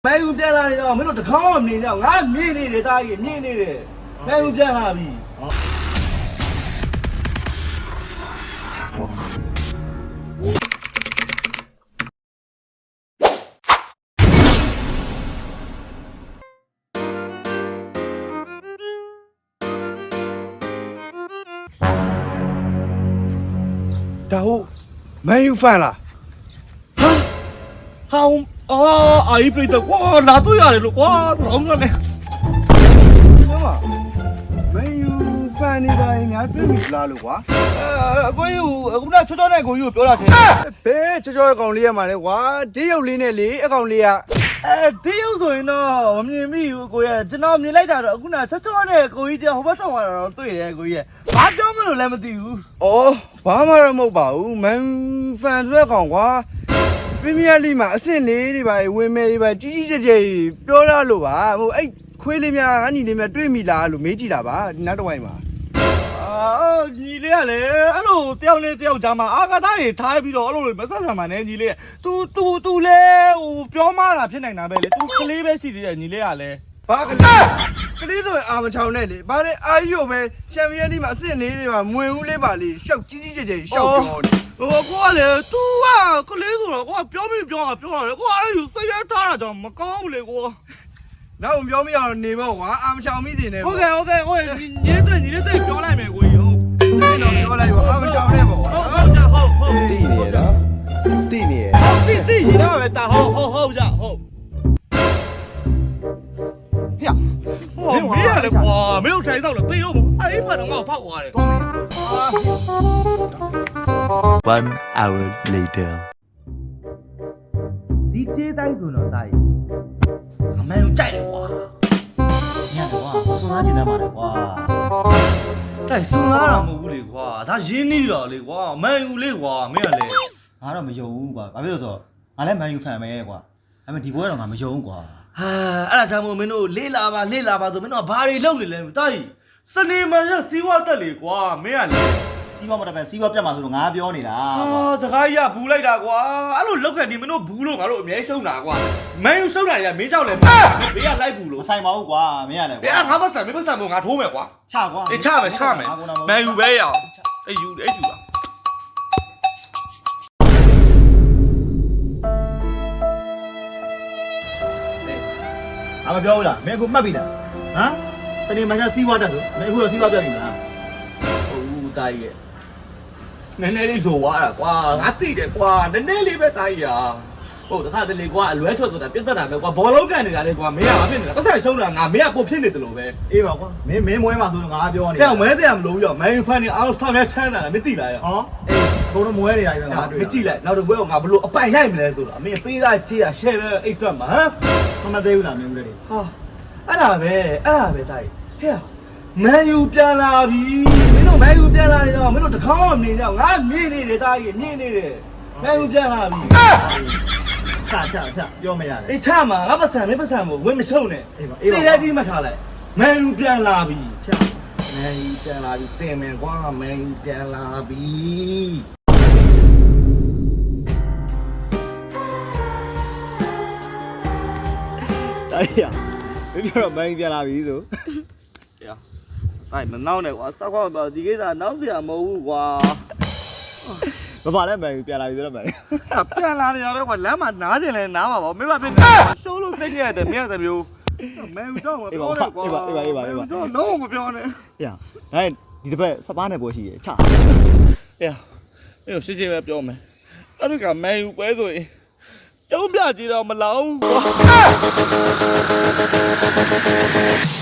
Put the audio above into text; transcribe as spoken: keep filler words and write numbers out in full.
မဲယူပြန်လာနေတော့မင်းတို့တကောင်းမနေတော့ငါမြင်နေတယ်တာကြီးမြင်နေတယ်မဲယူပြန်လာပြီဒါဟုတ်မဲယူဖန်လားဟာဟာအာအိပြိတကွာလာတော့ရတယ်လို့ကွာလောင်းကနေမမမဲယူဖန်နေပါရင်များတွေ့မိလားလို့ကွာအဲအကိုကြီးအခုနချောချောနဲ့ကိုကြီးကိုပြောတာထင်ဘဲချောချောအကောင်လေးရမှာလေကွာဒီရုပ်လေးနဲ့လေအကောင်လေးကအဲဒီရုပ်ဆိုရင်တော့မမြင်မိဘူးကိုရဲ့ကျွန်တော်မြင်လိုက်တာတော့အခုနချောချောနဲ့ကိုကြီးတဟိုဘက်ဆောင်လာတော့တွေ့တယ်ကိုကြီးရဲ့ဘာပြောမလို့လည်းမသိဘူးဩဘာမှတော့မဟုတ်ပါဘူးမဲဖန်ဆိုတဲ့ကောင်ကွာပရီးမီးယားလိမှာအဆင့်လေးတွေပါဝင်မယ်တွေပါကြီးကြီးကျယ်ကျယ်ပြောရလို့ပါဟိုအဲ့ခွေးလေးများငါညီလေးများတွေ့မိလားလို့မေးကြည့်တာပါဒီနောက်တစ်ဝိုင်းမှာအာညီလေးကလည်းအဲ့လိုတယောက်နဲ့တယောက်ကြားမှာအာကာသတွေထားပြီးတော့အဲ့လိုမဆက်ဆံပါနဲ့ညီလေး तू तू तू လဲဟိုပြောမှတာဖြစ်နိုင်တာပဲလေ तू ကလေးပဲရှိသေးတယ်ညီလေးကလည်းဘာကလေးကလေးဆိုရင်အာမချောင်းနဲ့လေဘာလဲအာရုံပဲချန်ပီယံလိမှာအဆင့်လေးတွေမှာမဝင်ဦးလေးပါလေရှောက်ကြီးကြီးကျယ်ကျယ်ရှောက်ပြောနေဟိုကိုကလေ तू ကကလေးဆိုတော့ကိုကပြောမိပြောတာပြောတာလေကိုကအဲ့လိုစိတ်ရထားတာကြောင့်မကောင်းဘူးလေကိုနောက်ပြောမရအောင်နေပေါ့ကွာအာမချောင်းမိစင်နေဟုတ်ကဲ့ဟုတ်ကဲ့ဟိုညီလေးတဲ့ညီလေးတဲ့ပြောလိုက်မယ်ကိုကြီးဟုတ်ဒီတော့ပြောလိုက်ပါအာမချောင်းနဲ့ပေါ့ဟုတ်ဟုတ်ကြဟုတ်ဟုတ်တိနေရတော့တိနေရတိတိရတော့ပဲတာဟုတ်ဟုတ်ဟုတ်ကြဟုတ်ဟဲ့ဟိုမင်းရလေကွာမင်းတို့ထိုင်ဆောင်လို့တေးရောအဲ့ဖတ်တော့ငါ့ကိုဖောက်သွားတယ် One hour later ဒီကျေးတိုင်းဆိုတော့တာကြီးအမေကိုကြိုက်တယ်ကွာညတယ်ကွာမစွန်သားကျင်တတ်ပါနဲ့ကွာတိုက်စွန်သားတာမဟုတ်ဘူးလေကွာဒါရင်းနေတော့လေကွာမန်ယူလေကွာမင်းကလေငါတော့မယုံဘူးကွာဘာဖြစ်လို့ဆိုတော့ငါလည်းမန်ယူဖန်ပဲကွာဒါပေမဲ့ဒီဘွဲတော့ငါမယုံဘူးကွာဟာအဲ့ဒါကြောင့်မို့မင်းတို့လေးလာပါလေးလာပါဆိုမင်းတို့ကဘာတွေလုပ်နေလဲတာကြီးစနေမန်ရစီးဝါတက်လေကွာမင်းကလေစီးပွားမတက်ပဲစီးပွားပြတ်မှာဆိုတော့ငါပြောနေတာဟာစကားကြီးကဘူးလိုက်တာကွာအဲ့လိုလောက်ခဲ့ဒီမင်းတို့ဘူးလို့ငါတို့အမြဲရှုံးတာကွာမန်ယူရှုံးတာကြီးကမင်းကြောက်လဲဘေးကလိုက်ဘူးလို့မဆိုင်ပါဘူးကွာမင်းရလဲကွာအေးငါမဆန်မင်းမဆန်မို့ငါထိုးမယ်ကွာချကွာအေးချမယ်ချမယ်မန်ယူပဲရအောင်အေးယူအေးယူပါငါမပြောဘူးလားမင်းအခုမှတ်ပြီလားဟမ်စနေမန်စီးပွားတက်ဆိုမင်းအခုတော့စီးပွားပြတ်ပြီလားဟုတ်ဦးတာကြီးရဲ့နည်းနည်းလေးလိုသွားတာကွာငါသိတယ်ကွာနည်းနည်းလေးပဲတာကြီးရာဟုတ်တခါတလေကွာအလွဲချော့ဆိုတာပြတ်တက်တာပဲကွာဘောလုံးကန်နေတာလေကွာမင်းကမဖြစ်နေတာပတ်ဆက်ရှုံးတာငါမင်းကပို့ဖြစ်နေတယ်လို့ပဲအေးပါကွာမင်းမင်းမွဲမှာဆိုတော့ငါပြောနေတယ်မဲစရာမလိုဘူးရောမန်ယူဖန်နေအားလုံးဆောင်းရချမ်းတာမင်းသိလားရောဟောအေးအကုန်လုံးမွဲနေတာပဲငါတွေ့မကြည့်လိုက်နောက်တော့ဘွဲကငါဘလို့အပိုင်ရိုက်မလဲဆိုတော့အမင်းပေးသားချေးရရှယ်ပဲအိတ်သွက်မှာဟမ်မမသေးဘူးလားမင်းဦးလေးဟာအဲ့ဒါပဲအဲ့ဒါပဲတာကြီးဟဲ့မန်ယူပြန်လာပြီမင်းတို့မန်ယူပြန်လာနေတော့မင်းတို့တကောင်းမနေတော့ငါမြင်နေတယ်တာကြီးမြင်နေတယ်မန်ယူပြန်လာပြီချချချပြောမရတယ်အေးချမှာငါပတ်စံမင်းပတ်စံမို့ဝင်းမရှုံနဲ့အေးပါအေးပါတေးလိုက်ပြီးမှထားလိုက်မန်ယူပြန်လာပြီချမန်ယူပြန်လာပြီတင်မယ်ကွာမန်ယူပြန်လာပြီတိုင်းရမင်းပြောတော့မန်ယူပြန်လာပြီဆိုအဲ့မနောက်နဲ့ကွာစောက်ကွာဒီကိစ္စနောက်စရာမဟုတ်ဘူးကွာမပါလဲမန်ယူပြန်လာပြီဆိုတော့မန်ယူပြန်လာနေရတော့ကွာလမ်းမှာနားကျင်လဲနားပါဗောမင်းမဖြစ်ရှိုးလို့သိနေရတယ်မင်းကတမျိုးမန်ယူတော့မပြောနဲ့ကွာအေးပါအေးပါအေးပါအေးပါတော့လုံးဝမပြောနဲ့ဟေ့ဒါဒီတစ်ပတ်စပားနဲ့ပွဲရှိရချအေးအေးရှင်းရှင်းပဲပြောမယ်အဲ့ဒီကမန်ယူပွဲဆိုရင်ပြုံးပြကြည့်တော့မလောဘူးကွာ